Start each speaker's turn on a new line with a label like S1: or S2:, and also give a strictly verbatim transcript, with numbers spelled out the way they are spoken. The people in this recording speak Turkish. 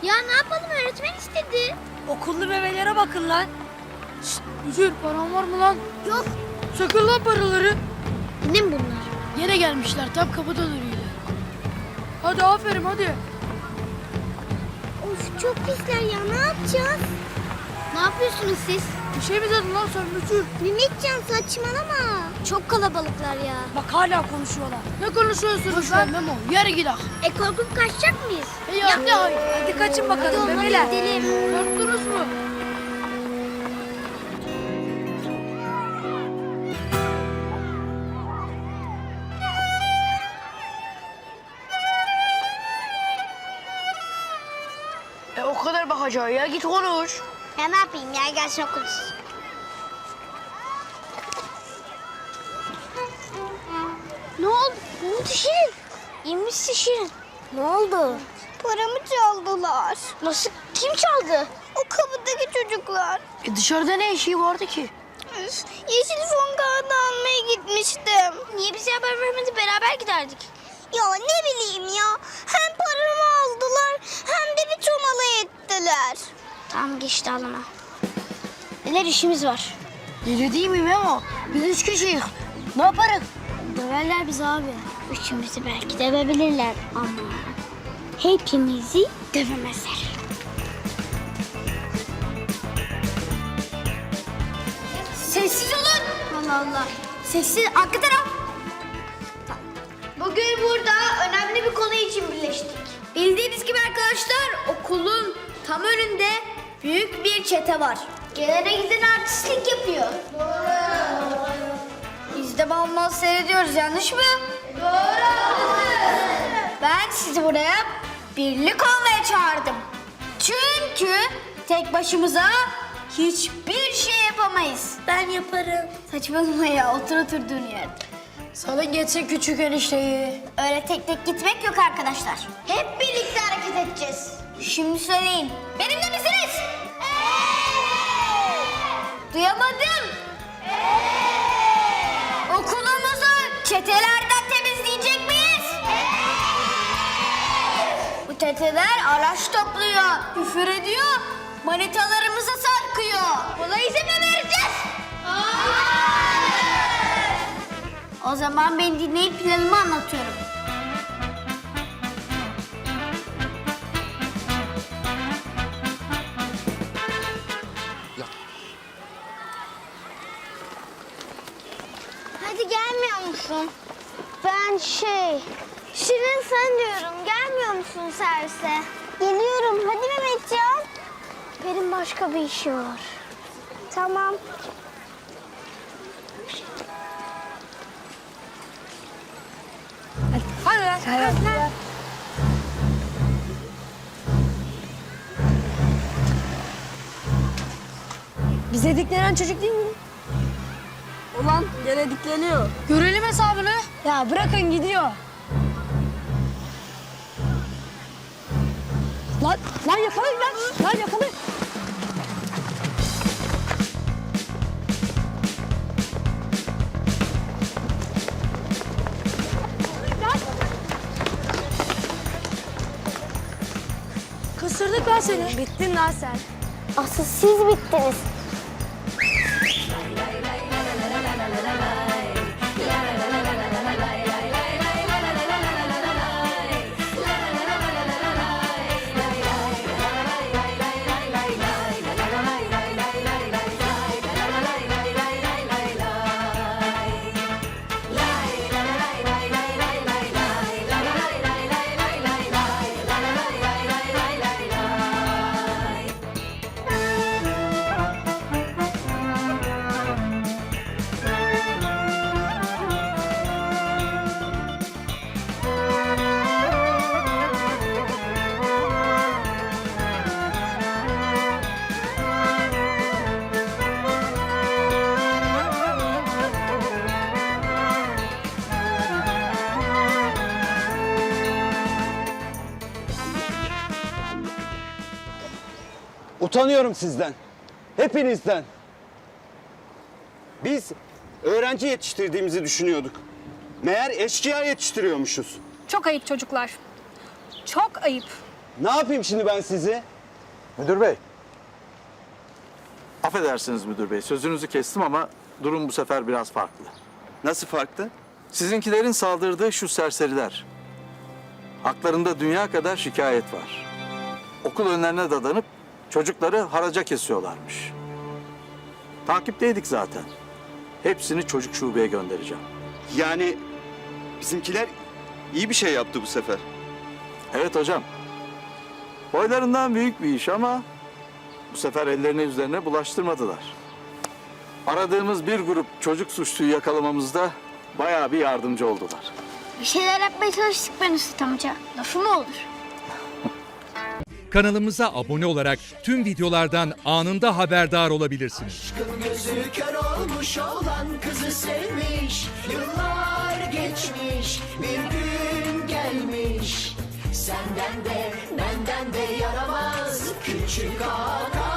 S1: Ya ne yapalım, öğretmen istedi.
S2: Okullu bebeğlere bakın lan. Şşt, müdür paran var mı lan?
S1: Yok.
S2: Sakın lan paraları.
S1: Ne mi bunlar?
S2: Yine gelmişler tam kapıda duruyorlar. Hadi aferin hadi.
S1: Of çok pisler ya, ne yapacağız? Ne yapıyorsunuz siz?
S2: Bir şey mi dedin lan sen müdür?
S1: Mehmetcan saçmalama. Çok kalabalıklar ya.
S2: Bak hala konuşuyorlar. Ne konuşuyorsunuz
S3: Boş
S2: lan?
S3: ver Memo, yere gidelim.
S1: E korkup kaçacak mıyız?
S2: E ya, ya. Hadi kaçın
S1: Hadi
S2: bakalım
S1: onları
S2: bebeler.
S1: gidelim.
S2: Korktunuz mu?
S3: E o kadar bakacağı ya, git konuş.
S1: Ya ne yapayım ya, gelsin okuruz. Ne oldu? Ne oldu Şirin? İyi misin Şirin? Ne oldu? Paramı çaldılar. Nasıl? Kim çaldı? O kapıdaki çocuklar.
S3: E dışarıda ne işi vardı ki?
S1: Üf, yeşil fon kağıdı almaya gitmiştim. Niye bize haber vermedi, beraber giderdik. Ya ne bileyim ya. Hem paramı aldılar hem de bir çomalı ettiler. Tamam geçti alma. Neler işimiz var.
S3: Deli değil mi Memo? Biz üç kişiyiz. Ne yaparız?
S1: Döverler bizi abi. Üçümüzü belki dövebilirler ama hepimizi dövemezler. Sessiz olun. Allah Allah. Sessiz. Arka taraf. Bugün burada önemli bir konu için birleştik. Bildiğiniz gibi arkadaşlar, okulun tam önünde büyük bir çete var. Gelene giden artistlik yapıyor. Doğru. Biz de mal mal seyrediyoruz, yanlış mı? Doğru. Ben sizi buraya birlik olmaya çağırdım. Çünkü tek başımıza hiçbir şey yapamayız. Ben yaparım. Saçmalama ya, otur oturduğun yerde.
S3: Salın geçsin küçük enişteyi.
S1: Öyle tek tek gitmek yok arkadaşlar. Hep birlikte hareket edeceğiz. Şimdi söyleyin. Benimle misiniz? Duyamadım. Okulumuzu çetelerden temizleyecek miyiz? Bu çeteler araç topluyor, küfür ediyor, manitalarımıza sarkıyor. Buna izin mi vereceğiz? O zaman beni dinleyip planımı anlatıyorum. Hadi gelmiyor musun? Ben şey... Şirin sen diyorum. Gelmiyor musun servise? Geliyorum. Hadi Mehmetcan. Benim başka bir işim var. Tamam.
S2: Hadi lan. Hadi lan.
S3: Bize diklenen çocuk değil mi? Ulan gene dikleniyor.
S2: Görelim hesabını.
S3: Ya bırakın gidiyor. Lan, lan yakalayın lan. Lan yakalayın.
S2: Kısırdık ben seni.
S3: Bittin lan sen.
S1: Asıl siz bittiniz.
S4: Utanıyorum sizden. Hepinizden. Biz öğrenci yetiştirdiğimizi düşünüyorduk. Meğer eşkıya yetiştiriyormuşuz.
S5: Çok ayıp çocuklar. Çok ayıp.
S4: Ne yapayım şimdi ben sizi?
S5: Müdür bey. Affedersiniz müdür bey. Sözünüzü kestim ama durum bu sefer biraz farklı.
S4: Nasıl farklı?
S5: Sizinkilerin saldırdığı şu serseriler. Haklarında dünya kadar şikayet var. Okul önlerine dadanıp çocukları haraca kesiyorlarmış. Takipteydik zaten. Hepsini çocuk şubeye göndereceğim.
S4: Yani bizimkiler iyi bir şey yaptı bu sefer.
S5: Evet hocam. Boylarından büyük bir iş ama bu sefer ellerine üzerine bulaştırmadılar. Aradığımız bir grup çocuk suçluyu yakalamamızda bayağı bir yardımcı oldular.
S1: Bir şeyler yapmaya çalıştık ben Üstad amca. Lafı mı olur?
S6: Kanalımıza abone olarak tüm videolardan anında haberdar olabilirsiniz.
S7: Gözü kör olmuş olan kızı sevmiş. Yıllar geçmiş, bir gün gelmiş. Senden de benden de yaramaz küçük ağa.